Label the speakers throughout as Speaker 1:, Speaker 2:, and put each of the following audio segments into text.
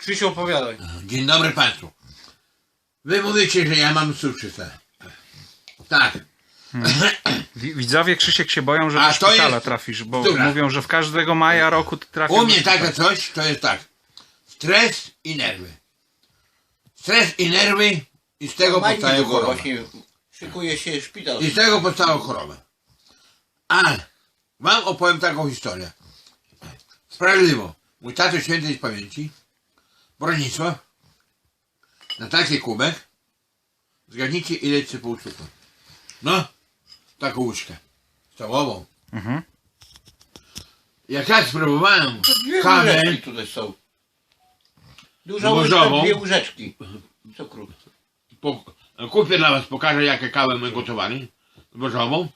Speaker 1: Krzysiu, opowiadaj.
Speaker 2: Dzień dobry Państwu. Wy mówicie, że ja mam cukrzycę. Tak.
Speaker 3: Widzowie, Krzysiek się boją, że
Speaker 2: A
Speaker 3: do
Speaker 2: to
Speaker 3: szpitala
Speaker 2: jest
Speaker 3: trafisz, bo
Speaker 2: bzdura.
Speaker 3: mówią, że w każdego maja roku ty trafisz.
Speaker 2: U mnie takie coś to jest tak. Stres i nerwy. Stres i nerwy i z tego powstają choroby.
Speaker 1: Właśnie szykuje się szpital.
Speaker 2: I z tego powstają choroby. Ale wam opowiem taką historię. Sprawiedliwo. Mój tato świętej z pamięci, Bronisław, na taki kubek, zgadnijcie ile sypał cukru. No, taką łyżkę stałową.
Speaker 3: Mhm.
Speaker 2: Jak ja spróbowałem
Speaker 1: Dwie
Speaker 2: kawę,
Speaker 1: łyżeczki tutaj są. Duża
Speaker 2: Zbożową.
Speaker 1: łyżka, dwie łyżeczki cukru.
Speaker 2: kupię dla was, pokażę jakie kawę my gotowali, zbożową.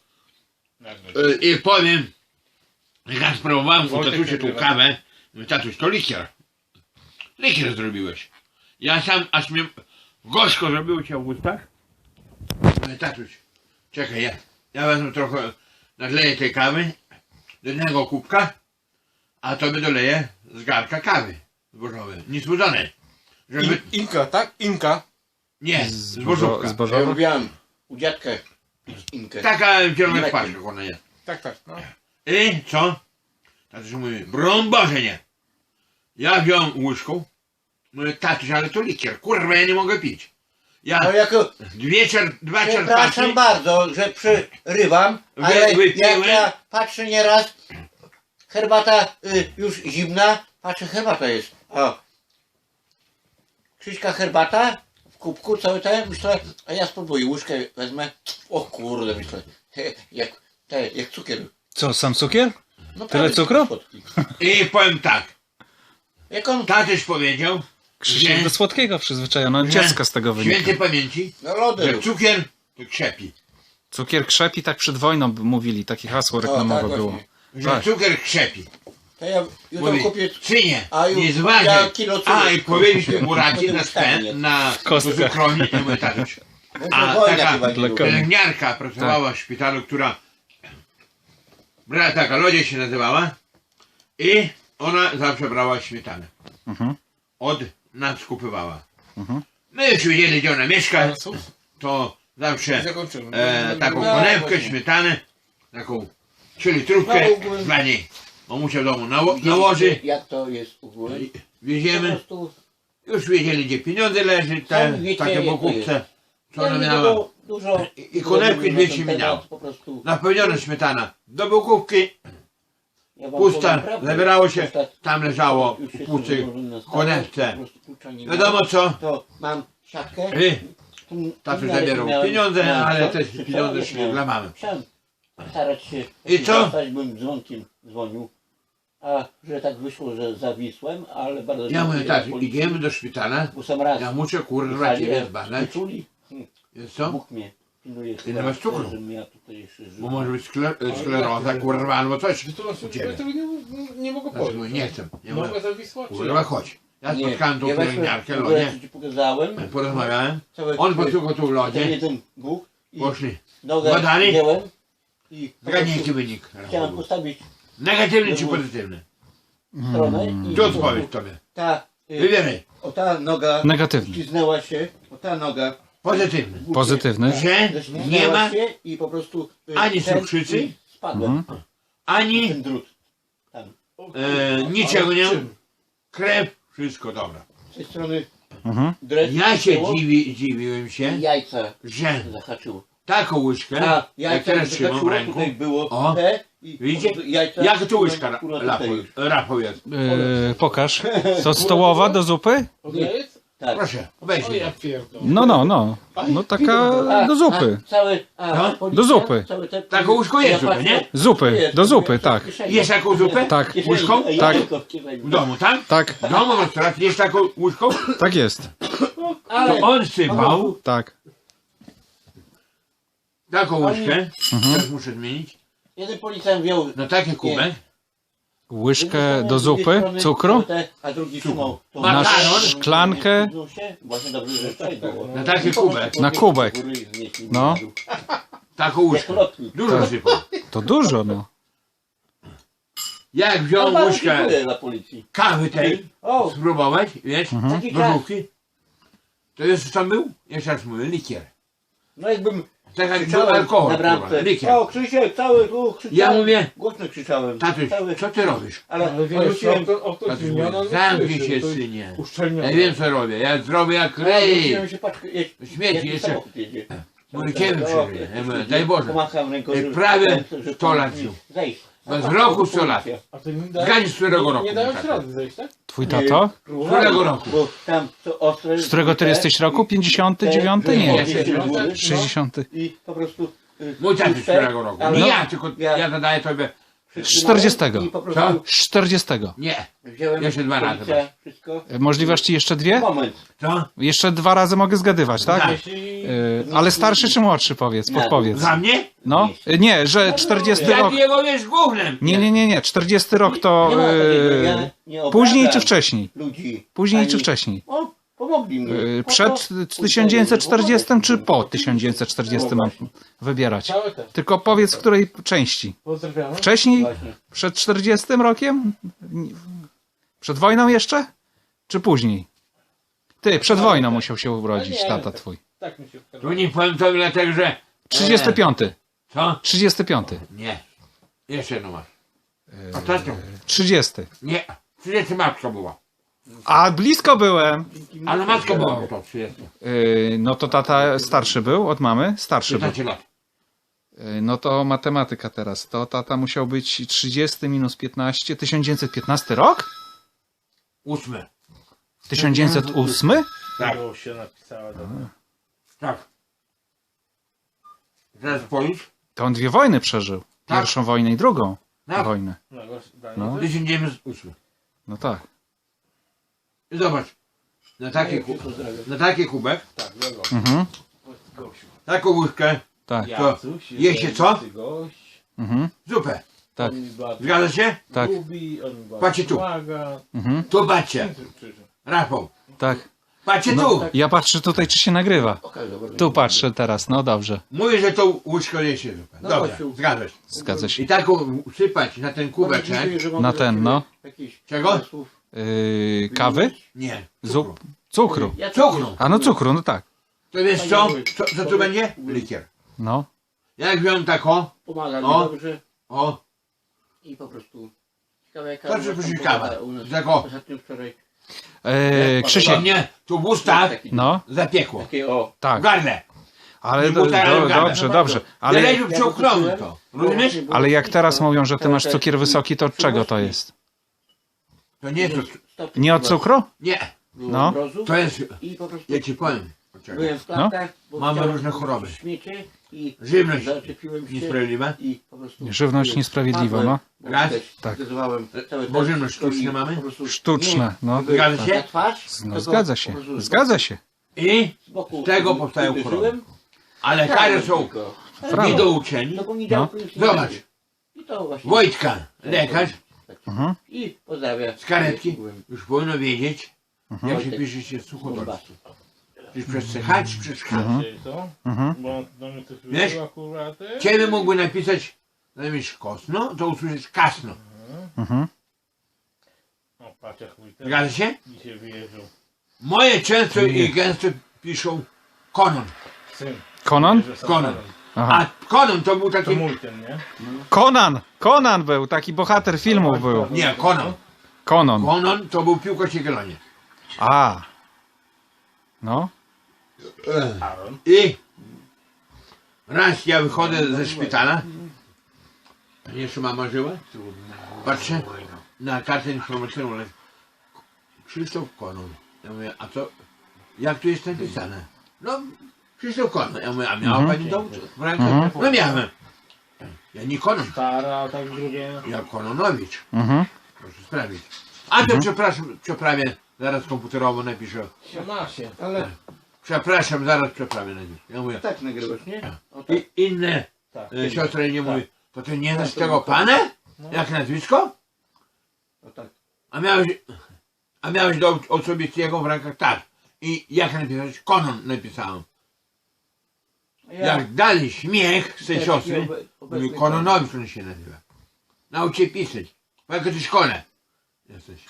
Speaker 2: I powiem, jak ja spróbowałem u tatusia tą kawę, mówię, tatuś, to likier. Likier zrobiłeś. Ja sam, aż mnie gorzko zrobiło cię w ustach. Mówię, tatuś, czekaj, ja wezmę trochę, nadleję tej kawy do jednego kubka, a tobie doleję z garka kawy zbożowej, niesłodzonej. Żeby...
Speaker 1: Inka, tak? Inka.
Speaker 2: Nie, zbożówka.
Speaker 1: Ja
Speaker 3: Zbożowa?
Speaker 1: lubiłem u dziadka pić inkę.
Speaker 2: Taka w zielonych
Speaker 1: Mlekiem.
Speaker 2: paczkach ona jest.
Speaker 1: Tak, tak. No.
Speaker 2: I co? Tatuś mówi, broń Boże nie. Ja wziąłem łyżką, mówię, tatuś, ale to likier, kurwa, ja nie mogę pić. Ja
Speaker 1: No jako,
Speaker 2: dwa
Speaker 1: przepraszam
Speaker 2: czerpaczy,
Speaker 1: bardzo, że przerywam, ale
Speaker 2: wypiłem.
Speaker 1: jak ja patrzę nieraz, herbata już zimna, patrzę, herbata jest. O. Krzyśka herbata w kubku, całe te, myślę, a ja spróbuję, łyżkę wezmę, o kurde, myślę, jak cukier.
Speaker 3: Co, sam cukier?
Speaker 1: No,
Speaker 3: Tyle
Speaker 1: prawie
Speaker 3: cukru?
Speaker 1: słodki.
Speaker 2: i powiem tak,
Speaker 1: Jak on,
Speaker 2: tatuś powiedział,
Speaker 3: Krzysiek
Speaker 2: że-
Speaker 3: do słodkiego przyzwyczajony,
Speaker 2: że
Speaker 3: dziecka z tego wynika.
Speaker 2: świętej pamięci,
Speaker 1: no lody
Speaker 2: że
Speaker 1: rób.
Speaker 2: cukier to krzepi.
Speaker 3: Cukier krzepi, tak przed wojną mówili, takie hasło reklamowe
Speaker 1: tak,
Speaker 3: było.
Speaker 1: właśnie.
Speaker 2: Że
Speaker 3: Tak.
Speaker 2: cukier krzepi.
Speaker 1: To ja jutro
Speaker 2: Mówi,
Speaker 1: kupię,
Speaker 2: synie,
Speaker 1: A już
Speaker 2: nie zważaj.
Speaker 1: ja kilo cukru.
Speaker 2: A i powiedzieliśmy mu racie
Speaker 1: Potem
Speaker 2: na
Speaker 1: wstanie.
Speaker 2: spen, na
Speaker 3: Kostkę.
Speaker 2: cukrowni, nie mówię, tatuś. A
Speaker 1: wojna
Speaker 2: taka
Speaker 1: chyba nie
Speaker 3: dla
Speaker 1: lubi.
Speaker 3: konia.
Speaker 2: pielęgniarka pracowała w szpitalu, która taka Lodzie się nazywała i ona zawsze brała śmietanę.
Speaker 3: Mhm.
Speaker 2: Od nas kupywała.
Speaker 3: Mhm.
Speaker 2: My już wiedzieli, gdzie ona mieszka, to zawsze
Speaker 1: Zakończymy.
Speaker 2: taką
Speaker 1: No,
Speaker 2: konewkę,
Speaker 1: właśnie.
Speaker 2: śmietanę, taką 3 litrówkę
Speaker 1: No, ogólnie-
Speaker 2: dla niej. Mamusia w domu
Speaker 1: Widzieliście,
Speaker 2: nałoży,
Speaker 1: jak to jest u góry? Po
Speaker 2: wieziemy,
Speaker 1: prostu
Speaker 2: już wiedzieli, gdzie pieniądze leży, te
Speaker 1: Sami wiecie,
Speaker 2: takie
Speaker 1: jak to
Speaker 2: bokówce, co
Speaker 1: ja
Speaker 2: ona
Speaker 1: nie
Speaker 2: miała.
Speaker 1: było dużo
Speaker 2: I konewki
Speaker 1: na
Speaker 2: 200
Speaker 1: ten
Speaker 2: minęło.
Speaker 1: temat, po prostu
Speaker 2: Napełniona śmietana do bokówki,
Speaker 1: ja wam
Speaker 2: pusta,
Speaker 1: powiem prawdę,
Speaker 2: zabierało się,
Speaker 1: pusta-
Speaker 2: tam leżało
Speaker 1: już
Speaker 2: w
Speaker 1: się
Speaker 2: pustej
Speaker 1: złożyłem na stałe,
Speaker 2: konewce.
Speaker 1: po prostu klucza nie
Speaker 2: Wiadomo
Speaker 1: miałem.
Speaker 2: co,
Speaker 1: To mam siatkę.
Speaker 2: tatuś
Speaker 1: miarę
Speaker 2: zabierał
Speaker 1: miałem-
Speaker 2: pieniądze,
Speaker 1: miałem
Speaker 2: ale
Speaker 1: to,
Speaker 2: te
Speaker 1: czy
Speaker 2: pieniądze
Speaker 1: co?
Speaker 2: szły
Speaker 1: Miałem.
Speaker 2: dla mamy.
Speaker 1: Chciałem starać się
Speaker 2: I co?
Speaker 1: dostać, bym dzwonkiem dzwonił. A że tak wyszło, że zawisłem, ale bardzo
Speaker 2: Ja
Speaker 1: dziękuję
Speaker 2: mówię, tak,
Speaker 1: policji,
Speaker 2: idziemy do szpitala,
Speaker 1: bo sam raz
Speaker 2: ja muszę kurwa
Speaker 1: jechali,
Speaker 2: ciebie
Speaker 1: jak
Speaker 2: zbadać,
Speaker 1: wyczuli,
Speaker 2: jest co?
Speaker 1: Bóg mnie pilnuje.
Speaker 2: Ile masz cukru?
Speaker 1: Żebym ja tutaj jeszcze żył.
Speaker 2: Bo może być skleroza, kurwa, albo coś u
Speaker 4: Ja
Speaker 2: ciebie.
Speaker 4: tego nie mogę
Speaker 2: Ja
Speaker 4: powiedzieć.
Speaker 2: mówię, nie chcę, nie
Speaker 4: Mogę
Speaker 2: mogę,
Speaker 4: zawisła, czy
Speaker 2: kurwa chodź. Ja
Speaker 1: Nie,
Speaker 2: spotkałem tą
Speaker 1: ja weszłem,
Speaker 2: pielęgniarkę,
Speaker 1: w ogóle
Speaker 2: Lodzie,
Speaker 1: ci pokazałem,
Speaker 2: porozmawiałem,
Speaker 1: całe
Speaker 2: on posłuchał tu w
Speaker 1: ten
Speaker 2: Lodzie,
Speaker 1: jeden Bóg i
Speaker 2: poszli,
Speaker 1: nogę
Speaker 2: badali?
Speaker 1: wziąłem i po
Speaker 2: zgadnij
Speaker 1: prostu
Speaker 2: jaki wynik.
Speaker 1: chciałem postawić
Speaker 2: Negatywny czy pozytywny?
Speaker 1: stronę i
Speaker 2: Tu
Speaker 1: po
Speaker 2: odpowiedź
Speaker 1: prostu
Speaker 2: tobie.
Speaker 1: ta,
Speaker 2: Wybieraj.
Speaker 1: o ta noga
Speaker 3: Negatywny.
Speaker 1: śliznęła się, o ta noga
Speaker 2: Pozytywny.
Speaker 3: Pozytywny.
Speaker 2: Że
Speaker 1: ześliznęła
Speaker 2: nie ma
Speaker 1: się i po prostu
Speaker 2: ani
Speaker 1: ten-
Speaker 2: cukrzycy,
Speaker 1: i spadłem,
Speaker 2: ani
Speaker 1: ten drut tam.
Speaker 2: niczego nie,
Speaker 4: czym?
Speaker 2: krew, wszystko dobra.
Speaker 1: Z tej strony
Speaker 3: Mhm.
Speaker 1: dres
Speaker 2: Ja się
Speaker 1: było
Speaker 2: dziwiłem
Speaker 1: i
Speaker 2: się,
Speaker 1: jajca
Speaker 2: że
Speaker 1: zahaczyło.
Speaker 2: taką łyżkę,
Speaker 1: A
Speaker 2: jak
Speaker 1: jajca
Speaker 2: teraz trzymam w
Speaker 1: zahaczyło,
Speaker 2: ręku,
Speaker 1: tutaj było
Speaker 2: o,
Speaker 1: te i
Speaker 2: widzicie?
Speaker 1: po prostu jajca
Speaker 2: jak to łyżka
Speaker 1: akurat tutaj.
Speaker 2: Rafał jest.
Speaker 3: Pokaż. To stołowa do zupy?
Speaker 4: Ona jest?
Speaker 1: Tak.
Speaker 2: Proszę,
Speaker 4: O
Speaker 2: obejrzyj.
Speaker 4: ja pierdolę.
Speaker 3: No. No taka do zupy.
Speaker 2: No,
Speaker 3: do zupy.
Speaker 2: Taką łyżką jest zupę, nie?
Speaker 3: Zupy, do zupy, tak.
Speaker 2: Jesz taką zupę?
Speaker 3: Tak.
Speaker 2: Łyżką?
Speaker 3: Tak.
Speaker 2: W domu, tak?
Speaker 3: Tak,
Speaker 2: W domu w restauracji jesz taką łyżką?
Speaker 3: tak jest.
Speaker 2: To
Speaker 1: Ale
Speaker 2: on sypał
Speaker 3: Tak.
Speaker 2: taką łyżkę, teraz muszę zmienić,
Speaker 1: jeden policjant wziął
Speaker 2: na taki kubek,
Speaker 3: Łyżkę do zupy, cukru,
Speaker 1: a drugi trzymał tą
Speaker 2: Na
Speaker 3: szklankę.
Speaker 1: Właśnie dobrze, że przejdą.
Speaker 2: na taki kubek,
Speaker 3: Na kubek. No.
Speaker 2: taką łyżkę. Dużo sypał.
Speaker 3: To dużo, no.
Speaker 2: Jak wziął
Speaker 1: bardzo
Speaker 2: łyżkę
Speaker 1: dziękuję dla policji.
Speaker 2: kawy tej,
Speaker 1: O,
Speaker 2: spróbować, wiesz,
Speaker 1: taki
Speaker 2: do
Speaker 1: czas.
Speaker 2: żółki, to jest co był? Jeszcze raz mówię, likier.
Speaker 1: No jakbym
Speaker 2: Tak jak był
Speaker 1: krzyczałem
Speaker 2: alkohol,
Speaker 1: na
Speaker 2: kurwa,
Speaker 1: bramce.
Speaker 2: likier.
Speaker 1: O, Krzysiek, cały tu krzyczałem.
Speaker 2: Ja mówię,
Speaker 1: Głośno krzyczałem.
Speaker 2: tatuś,
Speaker 1: Cały,
Speaker 2: co ty robisz?
Speaker 1: ale
Speaker 4: Ale wiesz,
Speaker 1: wróciłem.
Speaker 4: auto
Speaker 2: Tatuś
Speaker 4: zmienione,
Speaker 2: mówi,
Speaker 4: no
Speaker 2: zamknij
Speaker 4: słyszy,
Speaker 2: się,
Speaker 4: to jest
Speaker 2: synie.
Speaker 4: uszczelnione.
Speaker 2: Ja wiem co robię, ja zrobię jak
Speaker 1: Wróciłem
Speaker 2: rej.
Speaker 1: się patrzę,
Speaker 2: Śmieci
Speaker 1: jaki
Speaker 2: jeszcze.
Speaker 1: samochód jedzie.
Speaker 2: Murkiem
Speaker 1: O,
Speaker 2: przeżyje. Ja mówię, daj Boże.
Speaker 1: Pomacham ręką, że-
Speaker 2: Prawie
Speaker 1: że
Speaker 2: 100 lat
Speaker 1: mi
Speaker 2: już.
Speaker 1: zejść.
Speaker 2: Bez
Speaker 1: A
Speaker 2: roku
Speaker 1: policja.
Speaker 2: 100 lat.
Speaker 4: A to nie da...
Speaker 2: Zgadnij z którego roku,
Speaker 4: Nie dają
Speaker 2: tata?
Speaker 4: ci rady zejść, tak?
Speaker 3: Twój tato?
Speaker 2: Z którego roku?
Speaker 1: Bo tam to ostre...
Speaker 3: Z którego ty jesteś roku? 59?
Speaker 1: Te-
Speaker 3: Nie.
Speaker 1: te-
Speaker 3: 60.
Speaker 1: I po prostu...
Speaker 2: Mój tatuś z którego roku?
Speaker 1: ale-
Speaker 2: Nie ja, tylko
Speaker 1: Ja-
Speaker 2: ja zadaję tobie.
Speaker 3: Z 40.
Speaker 1: I po prostu
Speaker 2: Co?
Speaker 3: 40.
Speaker 2: Nie.
Speaker 1: wziąłem
Speaker 2: Jeszcze dwa razy
Speaker 1: policja,
Speaker 2: masz.
Speaker 1: wszystko.
Speaker 3: Możliwość ci jeszcze dwie?
Speaker 1: Moment.
Speaker 2: Co?
Speaker 3: Jeszcze 2 razy mogę zgadywać, tak?
Speaker 2: Tak.
Speaker 4: Jeśli...
Speaker 3: Ale starszy czy młodszy powiedz, podpowiedz.
Speaker 2: Za mnie?
Speaker 3: No, nie, że 40
Speaker 2: Ja
Speaker 3: rok.
Speaker 2: jego wiesz gównem.
Speaker 3: Nie, 40 rok to
Speaker 1: Nie ma takiego, ja nie
Speaker 3: później
Speaker 1: obrażam
Speaker 3: czy wcześniej?
Speaker 1: Ludzi.
Speaker 3: Później
Speaker 1: Ani-
Speaker 3: czy wcześniej?
Speaker 1: O, pomogli mi. Po
Speaker 3: Przed
Speaker 1: to-
Speaker 3: 1940 czy po 1940 mam wybierać?
Speaker 4: Całe te.
Speaker 3: Tylko powiedz w której części.
Speaker 4: Pozdrawiamy.
Speaker 3: Wcześniej?
Speaker 1: Właśnie.
Speaker 3: Przed 40 rokiem? Przed wojną jeszcze? Czy później? Ty, przed wojną musiał się urodzić tata twój.
Speaker 4: Tak mi się wkazuje.
Speaker 2: Tu nie powiem tobie dlatego, że...
Speaker 3: 35.
Speaker 2: Co?
Speaker 3: 35.
Speaker 2: Nie. Jeszcze jedno masz. Ostatnio.
Speaker 3: 30.
Speaker 2: Nie. 30 matka była.
Speaker 3: A blisko byłem.
Speaker 2: Ale matka była to 30.
Speaker 3: No to tata starszy był od mamy? Starszy był.
Speaker 2: 15 lat.
Speaker 3: No to matematyka teraz. To tata musiał być 30 minus 15. 1915 rok?
Speaker 2: 8.
Speaker 3: 1908?
Speaker 2: Tak.
Speaker 4: To się napisała, dobra.
Speaker 2: Tak. Teraz policz.
Speaker 3: To on 2 wojny przeżył.
Speaker 2: Tak.
Speaker 3: Pierwszą wojnę i drugą
Speaker 2: Tak.
Speaker 3: wojnę.
Speaker 4: No, Daniel,
Speaker 3: No.
Speaker 4: to-
Speaker 2: 1908.
Speaker 3: No tak.
Speaker 2: I zobacz. Na taki kubek,
Speaker 4: Tak, wiadomo.
Speaker 3: Mhm.
Speaker 4: Gosiu.
Speaker 2: taką łyżkę,
Speaker 3: Tak.
Speaker 4: Jacuś,
Speaker 2: je się co?
Speaker 4: ty gość.
Speaker 3: Mhm.
Speaker 2: zupę.
Speaker 3: Tak.
Speaker 4: On mi bardzo
Speaker 2: Zgadza się?
Speaker 3: Tak.
Speaker 4: lubi, on mi bardzo
Speaker 2: Patrzcie tu.
Speaker 4: pomaga.
Speaker 3: Mhm.
Speaker 2: Tu patrzcie. Rafał.
Speaker 3: Tak.
Speaker 2: Patrzcie
Speaker 3: No,
Speaker 2: tu.
Speaker 3: ja patrzę tutaj, czy się nagrywa.
Speaker 1: Okej, dobra.
Speaker 3: Tu patrzę teraz, no dobrze.
Speaker 2: Mówię, że tą łyżką je się zupę.
Speaker 1: No,
Speaker 2: Dobra,
Speaker 1: Gosiu.
Speaker 2: zgadza się.
Speaker 3: Zgadza się.
Speaker 2: I taką sypać na ten kubeczek.
Speaker 1: Dziękuję, że mogę
Speaker 3: Na
Speaker 1: do
Speaker 3: ten,
Speaker 1: ciebie
Speaker 3: no.
Speaker 1: jakichś
Speaker 2: Czego?
Speaker 1: pomysłów.
Speaker 3: Kawy?
Speaker 2: Nie.
Speaker 3: Zup? Cukru.
Speaker 1: Ja
Speaker 2: Cukru.
Speaker 3: A no cukru, no tak.
Speaker 2: To wiesz co? Co tu będzie? Likier.
Speaker 3: No.
Speaker 2: Jak wziąłem taką,
Speaker 1: Pomaga mi
Speaker 2: O.
Speaker 1: dobrze
Speaker 2: o,
Speaker 1: i po prostu ciekawe jaka
Speaker 2: To, że
Speaker 1: u was tam
Speaker 2: później
Speaker 1: pogoda
Speaker 2: kawę.
Speaker 1: u nas.
Speaker 2: Tego.
Speaker 1: Ostatnio wczoraj
Speaker 3: Krzysiek,
Speaker 2: mnie tu w ustach
Speaker 1: taki,
Speaker 3: no,
Speaker 2: zapiekło.
Speaker 1: takie o
Speaker 2: W
Speaker 3: tak.
Speaker 2: gardle.
Speaker 3: Ale
Speaker 2: Nie butelkę.
Speaker 3: dobrze, dobrze.
Speaker 2: Ale
Speaker 3: Ale,
Speaker 2: lepiej wciągnąłem to. Rozumiesz?
Speaker 3: ale jak teraz mówią, że ty masz cukier wysoki, to od czego to jest?
Speaker 2: To nie jest.
Speaker 3: Nie od cukru?
Speaker 2: Nie.
Speaker 3: No.
Speaker 2: To jest.
Speaker 1: I po prostu
Speaker 2: Ja ci powiem. Poczekaj.
Speaker 1: byłem w klatkach, bo
Speaker 2: Mamy
Speaker 1: chciałem
Speaker 2: różne choroby.
Speaker 1: śmiecie i
Speaker 2: Żywność
Speaker 1: zaczepiłem się
Speaker 2: niesprawiedliwa.
Speaker 1: i po prostu
Speaker 3: Żywność niesprawiedliwa, no.
Speaker 2: Raz.
Speaker 3: Tak.
Speaker 2: Bo żywność sztuczne mamy?
Speaker 3: Sztuczne, no.
Speaker 2: Zgadza się?
Speaker 3: No zgadza się, zgadza się.
Speaker 2: I z tego powstają choroby. Ale kary są
Speaker 3: Brawo.
Speaker 2: niedouczeni.
Speaker 1: Do poniedziałku
Speaker 3: No.
Speaker 1: już nie
Speaker 2: Zobacz.
Speaker 1: będzie. I to właśnie.
Speaker 2: Wojtka, lekarz
Speaker 3: Mhm.
Speaker 1: I pozdrawiam.
Speaker 2: z karetki już powinno wiedzieć,
Speaker 3: Mhm.
Speaker 2: jak się pisze się suchodol.
Speaker 1: Bombasu.
Speaker 2: Czyż przez CH, czy przez H.
Speaker 4: Czyli co?
Speaker 3: Mhm.
Speaker 4: Bo do mnie coś
Speaker 2: Wiesz?
Speaker 4: wyszło akurat.
Speaker 2: Ciebie mógłby napisać zamiast kosno, to usłyszeć kasno.
Speaker 3: Mhm.
Speaker 4: O, patrz jak mój ten
Speaker 2: Zgadza się?
Speaker 4: dzisiaj wyjeżdżał.
Speaker 2: Moje często i gęsto piszą konon.
Speaker 4: Syn.
Speaker 3: Konon?
Speaker 4: Wyjeżdżał
Speaker 2: Konon.
Speaker 4: samochodem.
Speaker 3: Aha.
Speaker 2: A konon to był
Speaker 4: To
Speaker 2: taki...
Speaker 4: mój ten, nie?
Speaker 3: Konan! Konan był, taki bohater filmów był.
Speaker 2: Nie, konon.
Speaker 3: Konon.
Speaker 2: Konon to był piłkarz Jagiellonie.
Speaker 3: A. No.
Speaker 4: Aaron.
Speaker 2: I raz ja wychodzę ze szpitala. Jeszcze mama żyła. Patrzę na kartę informacyjną. ale Krzysztof Konon. Ja mówię, a co? Jak tu jest napisane? No, Krzysztof Konon. Ja mówię, a miała pani dowód w ręce?
Speaker 3: Mhm.
Speaker 2: No miałem. Ja nie Konon.
Speaker 4: Stara, tak drugie.
Speaker 2: Ja Kononowicz.
Speaker 3: Mhm.
Speaker 2: Proszę sprawdzić. A to przepraszam, przeprawię. Zaraz komputerowo napiszę.
Speaker 4: Się ma się.
Speaker 1: Ale
Speaker 2: Przepraszam, zaraz przeprawię na nich. Ja mówię.
Speaker 1: tak nagrywasz, nie? O, tak.
Speaker 2: I inne
Speaker 4: Tak.
Speaker 2: siostry nie mówi, to ty nie znasz
Speaker 1: to
Speaker 2: tego
Speaker 1: było
Speaker 2: pana?
Speaker 4: No.
Speaker 2: Jak nazwisko?
Speaker 1: O, tak.
Speaker 2: A miałeś do osobistego w rękach? Tak. I jak napisałeś? Konon napisałem.
Speaker 1: A ja
Speaker 2: Jak dali śmiech z tej
Speaker 1: też
Speaker 2: siostry,
Speaker 1: obecny
Speaker 2: mówi Kononowicz on się nazywa. Naucz się pisać. w jakiej szkole jesteś?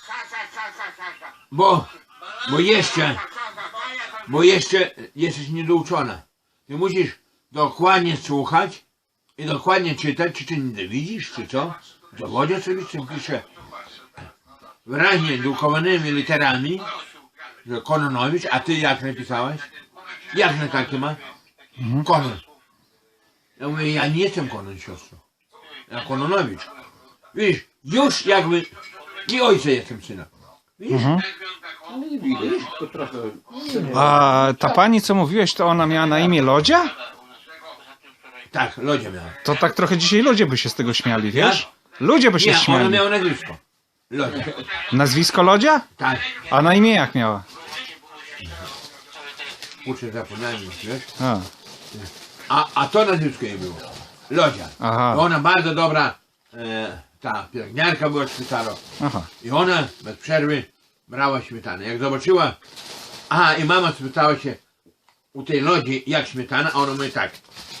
Speaker 2: Bo jeszcze jesteś niedouczona. Ty musisz dokładnie słuchać i dokładnie czytać, czy ty nie widzisz, czy co? W dowodzie oczywiście pisze wyraźnie drukowanymi literami, że Kononowicz, a ty jak napisałeś? Jak na takie ma? Konon. Ja mówię, ja nie jestem Konon, siostro. Ja Kononowicz. Widzisz, już jakby nie ojca jestem syna. Widzisz?
Speaker 1: Ale nie widać, tylko trochę...
Speaker 3: A ta pani, co mówiłeś, to ona miała na imię Lodzia?
Speaker 2: Tak, Lodzia miała.
Speaker 3: To tak trochę dzisiaj ludzie by się z tego śmiali, wiesz? Ludzie by się
Speaker 2: Nie, ona
Speaker 3: śmiali.
Speaker 2: miała nazwisko. Lodzia.
Speaker 3: Nazwisko Lodzia?
Speaker 2: Tak.
Speaker 3: A na imię jak miała?
Speaker 2: Kurczę, zapomniałem już, wiesz?
Speaker 3: A,
Speaker 2: A to nazwisko jej było. Lodzia.
Speaker 3: Aha.
Speaker 2: I ona bardzo dobra, ta pielęgniarka była w szpitalu.
Speaker 3: aha.
Speaker 2: I ona bez przerwy brała śmietanę. Jak zobaczyła, aha, i mama spytała się u tej Lodzi, jak śmietana, a ona mówi tak.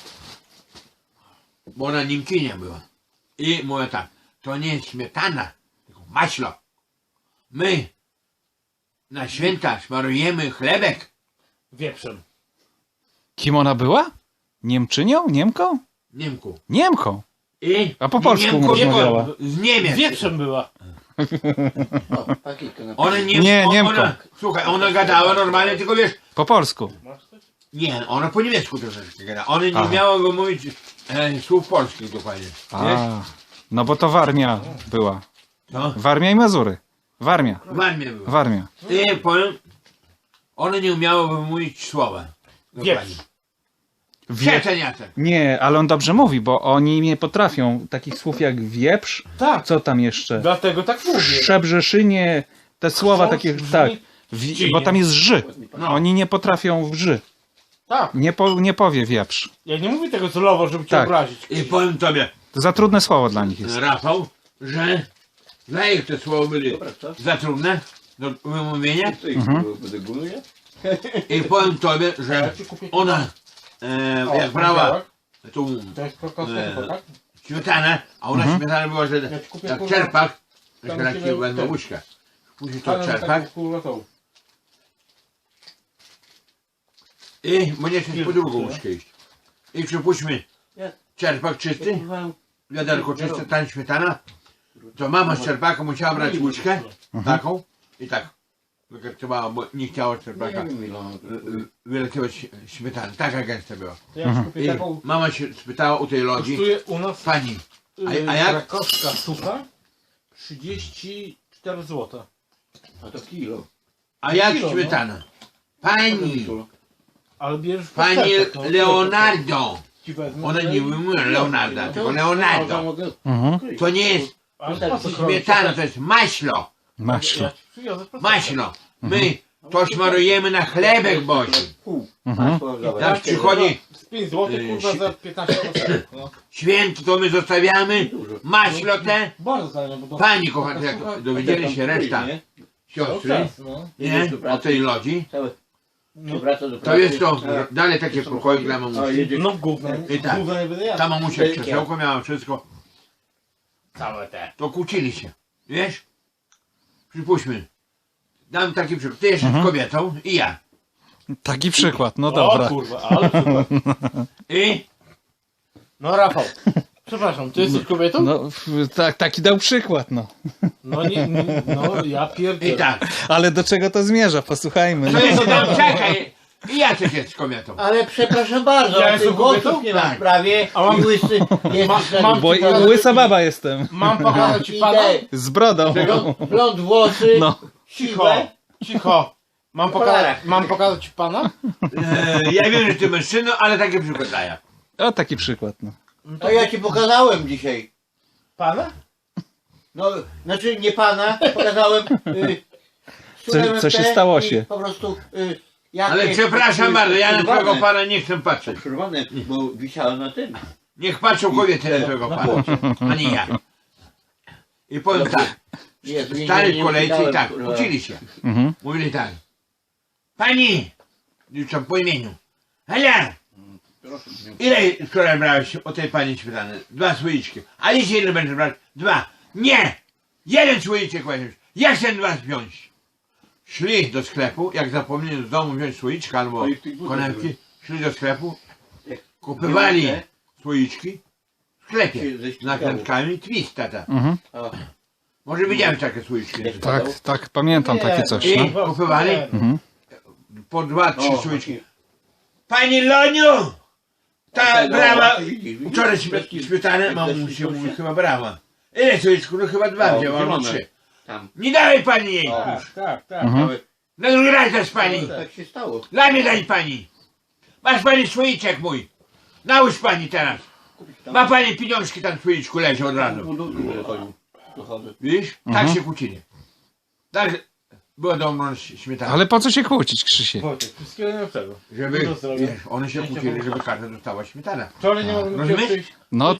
Speaker 2: Bo ona Niemczynia była. I mówi tak, to nie jest śmietana, tylko maślo. My na święta smarujemy chlebek.
Speaker 4: Wieprzem.
Speaker 3: Kim ona była? Niemczynią? Niemką?
Speaker 2: Niemku.
Speaker 3: Niemką.
Speaker 2: I
Speaker 3: A po polsku
Speaker 2: Niemku
Speaker 3: rozmawiała.
Speaker 2: z Niemiec.
Speaker 4: Wieprzem była.
Speaker 1: O, pakietkę na...
Speaker 2: Ona nie,
Speaker 3: Nie, Niemką.
Speaker 2: Ona, słuchaj, ona gadała normalnie, tylko wiesz,
Speaker 3: Po polsku.
Speaker 2: nie, ona po niemiecku troszeczkę gada. Ona nie
Speaker 3: Aha.
Speaker 2: miała go mówić słów polskich dokładnie. Wiesz?
Speaker 3: A, no bo to Warmia była.
Speaker 2: No,
Speaker 3: Warmia i Mazury. Warmia.
Speaker 2: w armii była.
Speaker 3: Warmia.
Speaker 2: I powiem, ona nie umiała wymówić słowa. Dokładnie.
Speaker 4: Wieprz.
Speaker 2: Przeceniatek.
Speaker 3: Nie, ale on dobrze mówi, bo oni nie potrafią takich słów jak wieprz.
Speaker 4: Tak.
Speaker 3: Co tam jeszcze?
Speaker 4: Dlatego tak mówię.
Speaker 3: Szczebrzeszynie, te słowa
Speaker 4: Chrząszcz,
Speaker 3: takie,
Speaker 4: brzmi,
Speaker 3: tak.
Speaker 4: ścinie.
Speaker 3: Bo tam jest ży.
Speaker 2: No.
Speaker 3: Oni nie potrafią w ży.
Speaker 4: Tak.
Speaker 3: Nie powie wieprz.
Speaker 4: Ja nie mówię tego celowo, żeby cię
Speaker 3: Tak.
Speaker 4: obrazić.
Speaker 2: I powiem tobie,
Speaker 3: To za trudne słowo dla nich jest.
Speaker 2: Rafał, że dla ich te słowa byli
Speaker 1: Dobra, co?
Speaker 2: za trudne do wymówienia.
Speaker 1: To ich będę góruje?
Speaker 2: I powiem tobie, że ona jak brała tą
Speaker 4: To jest prokosmetico, tak?
Speaker 2: śmietanę, a ona śmietana była, że
Speaker 4: Ja ci kupię,
Speaker 2: jak
Speaker 4: kurwa,
Speaker 2: czerpak,
Speaker 4: tam
Speaker 2: jeszcze takie
Speaker 4: ciebie
Speaker 2: będą
Speaker 4: ten.
Speaker 2: łyżkę. Później to
Speaker 4: Ale
Speaker 2: czerpak
Speaker 4: tak, kurwa, to.
Speaker 2: i będzie się po drugą
Speaker 4: Pilny,
Speaker 2: łyżkę iść. I przypuśćmy
Speaker 1: Ja-
Speaker 2: czerpak czysty,
Speaker 1: Kurwa,
Speaker 2: wiaderko czyste, ta śmietana, to mama z czerpaka musiała brać łyżkę taką i tak wykartowała, bo nie chciała z czerpaka
Speaker 1: nie wiem ile ona...
Speaker 2: wyletywać śmietany. Taka gęsta była.
Speaker 4: To ja ci kupię
Speaker 2: I
Speaker 4: taką.
Speaker 2: mama się spytała u tej Lodzi,
Speaker 4: Kosztuje u nas
Speaker 2: pani, a jak?
Speaker 4: krakowska sucha 34 zł.
Speaker 1: A to kilo.
Speaker 2: A jak
Speaker 4: Kilo, no.
Speaker 2: śmietana? Pani,
Speaker 4: Ale bierzesz w
Speaker 2: pani
Speaker 4: pakietach, no.
Speaker 2: Leonardo.
Speaker 4: Ci wezmę,
Speaker 2: Ona
Speaker 4: no
Speaker 2: nie
Speaker 4: i-
Speaker 2: wymówiła Leonarda, tylko
Speaker 1: To
Speaker 2: Leonardo.
Speaker 1: mogę...
Speaker 3: Mhm.
Speaker 2: To nie jest
Speaker 4: Ale po co kroić?
Speaker 2: śmietana, to jest maślo.
Speaker 3: Maślo.
Speaker 4: Ja ci przywiozę prosto.
Speaker 2: Maślo. My to smarujemy na chlebek Boży.
Speaker 1: Pół.
Speaker 3: Mhm.
Speaker 1: Masło, dobra.
Speaker 2: Jak przychodzi
Speaker 4: Z 5 zł, kurwa, za 15 zł. No.
Speaker 2: święto, to my zostawiamy maślo te.
Speaker 4: Bardzo fajne, bo to...
Speaker 2: Pani kochana, jak dowiedzieli się reszta
Speaker 4: Cały
Speaker 2: siostry,
Speaker 4: czas, no.
Speaker 2: nie, o tej Lodzi,
Speaker 1: Cały...
Speaker 4: No.
Speaker 1: Wraca do
Speaker 2: to
Speaker 1: pracy.
Speaker 2: jest to
Speaker 1: A,
Speaker 2: dalej takie pokoje dla
Speaker 1: a
Speaker 2: mamusi.
Speaker 1: jedzie...
Speaker 4: No gówno.
Speaker 2: I tak.
Speaker 4: Gówno nie będę jadł.
Speaker 2: Ta mamusia krzesełko miała wszystko,
Speaker 4: Całe te.
Speaker 2: to kłócili się, wiesz? Przypuśćmy, dam taki przykład, ty jesteś kobietą i ja.
Speaker 3: Taki przykład, no
Speaker 4: O
Speaker 3: dobra.
Speaker 4: kurwa, ale super.
Speaker 2: I
Speaker 4: No Rafał, przepraszam, ty jesteś kobietą?
Speaker 3: No, taki dał przykład, no.
Speaker 4: No no ja pierdolę.
Speaker 2: i tak.
Speaker 3: Ale do czego to zmierza? Posłuchajmy.
Speaker 2: To jest, no, czekaj, i ja też jest kobietą.
Speaker 1: Ale przepraszam bardzo,
Speaker 4: Ja
Speaker 1: ja
Speaker 4: jestem
Speaker 1: tych głosów
Speaker 4: kobietą?
Speaker 1: nie mam
Speaker 2: Tak.
Speaker 1: w prawie
Speaker 4: A mam-
Speaker 1: i łysy jest
Speaker 4: mam-
Speaker 3: Bo łysa baba jestem.
Speaker 4: Mam pokazać ci pana?
Speaker 3: Z brodą.
Speaker 1: Blond włosy,
Speaker 3: No.
Speaker 4: Cicho,
Speaker 1: siwe.
Speaker 4: cicho. Mam pokazać ci pana?
Speaker 2: Ja wiem, że ty mężczyzną, ale takie przykład daję.
Speaker 3: O, taki przykład, no.
Speaker 1: A ja ci pokazałem dzisiaj.
Speaker 4: Pana?
Speaker 1: No, znaczy nie pana, pokazałem
Speaker 3: Co się stało się?
Speaker 1: Po prostu
Speaker 2: Ale przepraszam bardzo, ja na twojego pana nie chcę patrzeć.
Speaker 1: Przerwane, bo wisiałem na tym.
Speaker 2: Niech patrzą kobiety na twojego pana, a nie ja. I powiem tak,
Speaker 1: Jezu,
Speaker 2: stali
Speaker 1: nie
Speaker 2: w kolejce i
Speaker 1: uciekałem,
Speaker 2: tak,
Speaker 1: kurwa.
Speaker 2: uczyli się.
Speaker 3: Mhm.
Speaker 2: Mówili tak. Pani, już tam po imieniu. Hela, ile wczoraj brałeś o tej pani śmietany? 2 słoiczki. A dzisiaj ile będziesz brać? 2. Nie! Jeden słoiczek weźmiesz. Ja chcę 2 wziąć. Szli do sklepu, jak zapomnieli z domu wziąć słoiczka albo
Speaker 1: Oj, w tych butach
Speaker 2: konewki, szli do sklepu,
Speaker 1: Jak
Speaker 2: kupywali
Speaker 1: nie
Speaker 2: słoiczki w sklepie
Speaker 1: Się ze
Speaker 2: z
Speaker 1: ścigało.
Speaker 2: nakrętkami twist, tata.
Speaker 3: Mhm.
Speaker 1: A,
Speaker 2: Może widziałeś takie słoiczki.
Speaker 1: Jak
Speaker 3: Tak, tak, pamiętam takie coś,
Speaker 2: I
Speaker 3: no.
Speaker 2: kupywali
Speaker 3: Mhm.
Speaker 2: po 2-3
Speaker 1: o,
Speaker 2: słoiczki. Pani Loniu! Ta brała wczoraj
Speaker 1: Bez-
Speaker 2: śmietanę,
Speaker 1: bez-
Speaker 2: mamusia
Speaker 1: bez-
Speaker 2: mówi, chyba brała. Ile słoiczków? No chyba 2
Speaker 1: O,
Speaker 2: wzięła, albo
Speaker 1: zielone.
Speaker 2: 3.
Speaker 1: Tam.
Speaker 2: Nie dawaj pani jej!
Speaker 1: O.
Speaker 4: Tak, tak, tak.
Speaker 3: Mhm.
Speaker 1: Nawet,
Speaker 2: Na drugi raz dasz pani!
Speaker 1: tak się stało.
Speaker 2: Dla mnie daj pani! Masz pani słoiczek mój! Nałóż pani teraz!
Speaker 1: Kupić tam.
Speaker 2: Ma pani pieniążki tam w słoiczku leży od
Speaker 1: W
Speaker 2: razu.
Speaker 1: budynku wychodził. Wychodzę.
Speaker 2: Widzisz?
Speaker 3: Mhm.
Speaker 2: Tak się kłócili. Tak była dobrą śmietana.
Speaker 3: Ale po co się kłócić, Krzysiek?
Speaker 4: Wojtek, wszystkiego najlepszego.
Speaker 2: Żeby,
Speaker 4: Dużo zdrowia.
Speaker 2: wiesz, one się kłócili, żeby każda dostała śmietana.
Speaker 4: Wczoraj nie mogłem
Speaker 2: Rozumiesz?
Speaker 4: przyjść.
Speaker 3: No